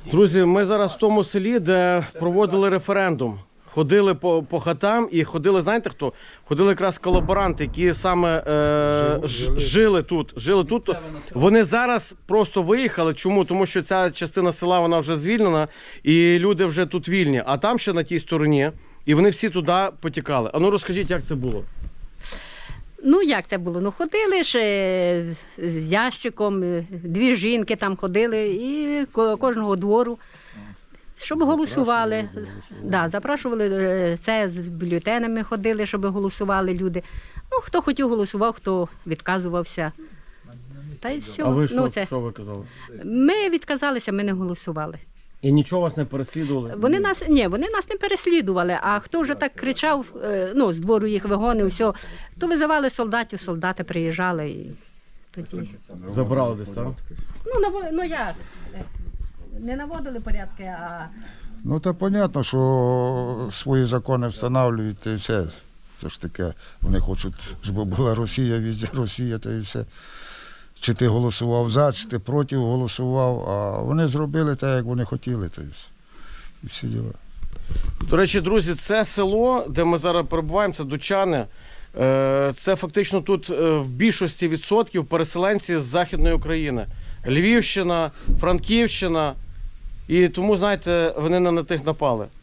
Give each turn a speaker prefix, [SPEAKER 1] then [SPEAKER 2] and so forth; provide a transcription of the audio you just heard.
[SPEAKER 1] Друзі, ми зараз в тому селі, де проводили референдум. Ходили по хатам і ходили, знаєте хто? Ходили якраз колаборанти, які саме жили тут. Вони зараз просто виїхали. Чому? Тому що ця частина села вона вже звільнена і люди вже тут вільні. А там ще на тій стороні, і вони всі туди потікали. А ну розкажіть, як це було?
[SPEAKER 2] Ну, як це було? Ну, ходили ж з ящиком, дві жінки там ходили, і кожного двору, щоб голосували. Да, запрошували, це з бюлетенями ходили, щоб голосували люди. Ну, хто хотів голосував, хто відказувався. Та й все.
[SPEAKER 1] А ви що ви казали?
[SPEAKER 2] Ми відказалися, ми не голосували.
[SPEAKER 1] І нічого вас не переслідували?
[SPEAKER 2] Вони нас не переслідували, а хто вже так кричав, з двору їх вигонив, все, то визивали солдатів, солдати приїжджали і тоді.
[SPEAKER 1] Забрали десь, так?
[SPEAKER 2] Як? Не наводили порядки, а...
[SPEAKER 3] Ну, то понятно, що свої закони встановлюють і все. Це ж таке, вони хочуть, щоб була Росія, везде Росія, та і все. Чи ти голосував за, чи ти проти голосував, а вони зробили так, як вони хотіли, та і все. І всі діла.
[SPEAKER 1] До речі, друзі, це село, де ми зараз перебуваємо, це Дучани. Це фактично тут в більшості відсотків переселенці з Західної України. Львівщина, Франківщина. І тому, знаєте, вони на тих напали.